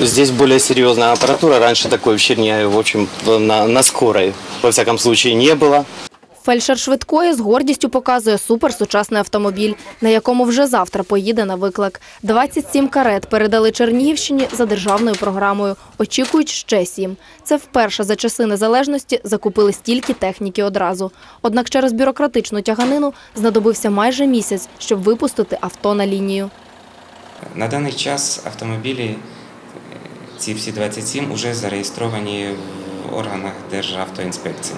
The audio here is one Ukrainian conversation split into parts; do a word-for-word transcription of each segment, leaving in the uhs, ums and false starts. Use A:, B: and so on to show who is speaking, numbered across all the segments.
A: Здесь более серьезная аппаратура. Раньше такой в Чернигове, в общем, на, на скорой, во всяком случае, не было.
B: Фельдшер швидкої з гордістю показує суперсучасний автомобіль, на якому вже завтра поїде на виклик. двадцять сім карет передали Чернігівщині за державною програмою. Очікують ще сім. Це вперше за часи незалежності закупили стільки техніки одразу. Однак через бюрократичну тяганину знадобився майже місяць, щоб випустити авто на лінію.
C: На даний час автомобілі, ці всі двадцять сім, вже зареєстровані в органах Державтоінспекції.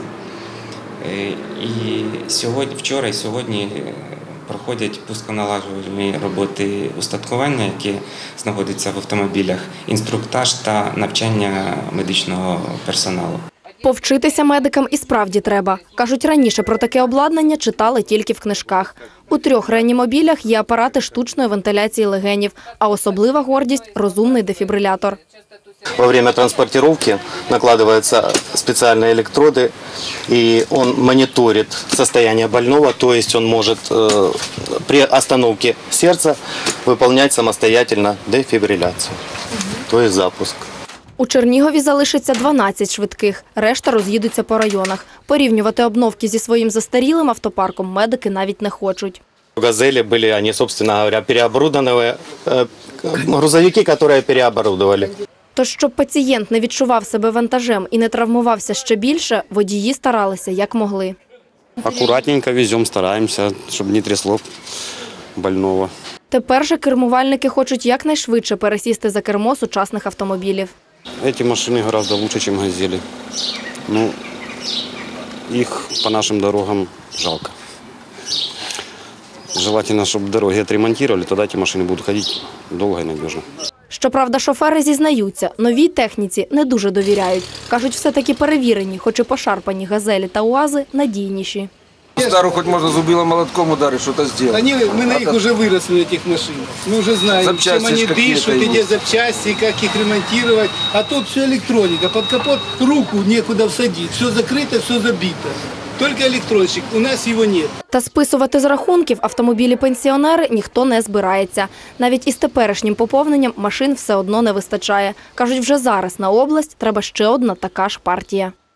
C: І сьогодні, вчора і сьогодні проходять пусконалагоджувальні роботи устаткування, які знаходяться в автомобілях, інструктаж та навчання медичного персоналу.
B: Повчитися медикам і справді треба. Кажуть, раніше про таке обладнання читали тільки в книжках. У трьох реанімобілях є апарати штучної вентиляції легенів, а особлива гордість – розумний дефібрилятор.
A: Во время транспортировки накладываются специальные электроды, и он мониторит состояние больного, то есть он может э, при остановке сердца выполнять самостоятельно дефибрилляцию, то есть запуск.
B: У Чернігові залишиться дванадцять швидких, решта роз'їдуться по районах. Порівнювати обновки зі своїм застарілим автопарком медики навіть не хочуть.
A: «Газели» были, они, собственно говоря, переоборудованные, э, грузовики, которые переоборудовали.
B: Тож, щоб пацієнт не відчував себе вантажем і не травмувався ще більше, водії старалися як могли.
D: Акуратненько веземо, стараємося, щоб не трясло больного.
B: Тепер же кермувальники хочуть якнайшвидше пересісти за кермо сучасних автомобілів.
D: Ці машини гораздо краще, ніж «Газелі». Ну, їх по нашим дорогам жалко. Желательно, щоб дороги відремонтували, тоді ці машини будуть ходити довго і надіжно.
B: Щоправда, шофери зізнаються, новій техніці не дуже довіряють. Кажуть, все-таки перевірені, хоч і пошарпані «Газелі» та «УАЗи» надійніші.
E: Стару хоч можна зубилом молотком ударити, щось зробити.
F: Они, мы на них уже выросли, на этих машинах. Мы уже знаем, чем они дышат, где запчасти, как их ремонтировать. А тут все электроника. Под капот руку некуда всадить. Все закрыто, все забито. Только електронщик, у нас його немає.
B: Та списувати з рахунків автомобілі-пенсіонери ніхто не збирається. Навіть із теперішнім поповненням машин все одно не вистачає. Кажуть, вже зараз на область треба ще одна така ж партія.